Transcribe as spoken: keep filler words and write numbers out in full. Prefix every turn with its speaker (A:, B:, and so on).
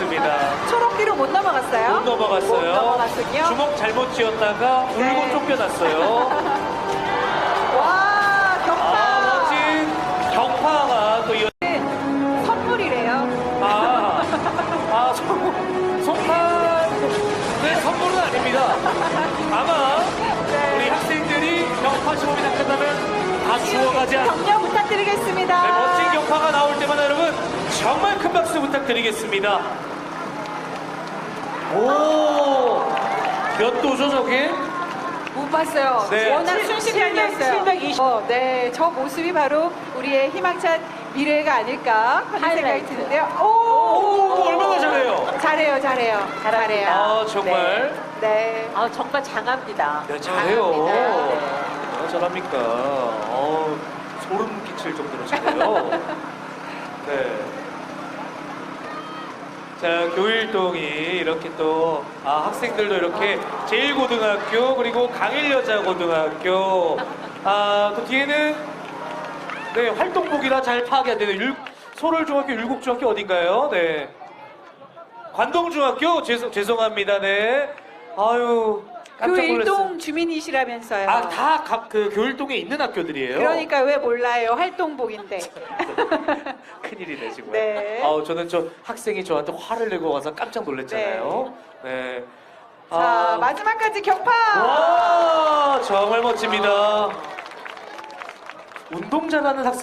A: 맞습니다.
B: 초록기로 못 넘어갔어요?
A: 못 넘어갔어요.
B: 못 넘어갔군요.
A: 주먹 잘못 쥐었다가 울고
B: 네.
A: 쫓겨났어요.
B: 와, 격파.
A: 아, 멋진 격파가 또 이어.
B: 선물이래요.
A: 아, 아, 송, 송판의 선물은 아닙니다. 아마
B: 네.
A: 우리 학생들이 격파 시범이 다 끝나면 다 주워가지 않.
B: 격려 부탁드리겠습니다.
A: 네, 멋진 격파가 나올 때마다 여러분 정말 큰 박수 부탁드리겠습니다. 오, 몇 도죠 저게?
B: 못 봤어요.
A: 네.
B: 워낙 순식간이었어요.
C: 칠백이십.
B: 어, 네, 저 모습이 바로 우리의 희망찬 미래가 아닐까 하는 생각이
C: 하이라이트.
B: 드는데요. 오,
A: 오, 얼마나 잘해요.
B: 잘해요, 잘해요, 잘해요.
A: 아, 정말.
B: 네. 네.
C: 아, 정말 장합니다.
A: 네, 잘해요.
B: 잘합니다.
A: 얼마나 잘합니까? 어, 소름 끼칠 정도로 잘해요. 네. 자, 교일동이 이렇게 또, 아, 학생들도 이렇게 제일고등학교, 그리고 강일여자고등학교, 아, 또 뒤에는, 네, 활동복이라 잘 파악이 안 되는 율, 소월중학교, 율곡중학교 어딘가요? 네. 관동중학교? 죄송, 죄송합니다. 네. 아유, 깜짝 놀랐어요.
B: 교일동 주민이시라면서요.
A: 아, 다 각 그 교일동에 있는 학교들이에요.
B: 그러니까 왜 몰라요? 활동복인데.
A: 큰일이네 지금.
B: 네.
A: 아우 저는 저 학생이 저한테 화를 내고 와서 깜짝 놀랐잖아요. 네.
B: 자,
A: 아,
B: 마지막까지 격파.
A: 와 정말 멋집니다. 운동 잘하는 학생.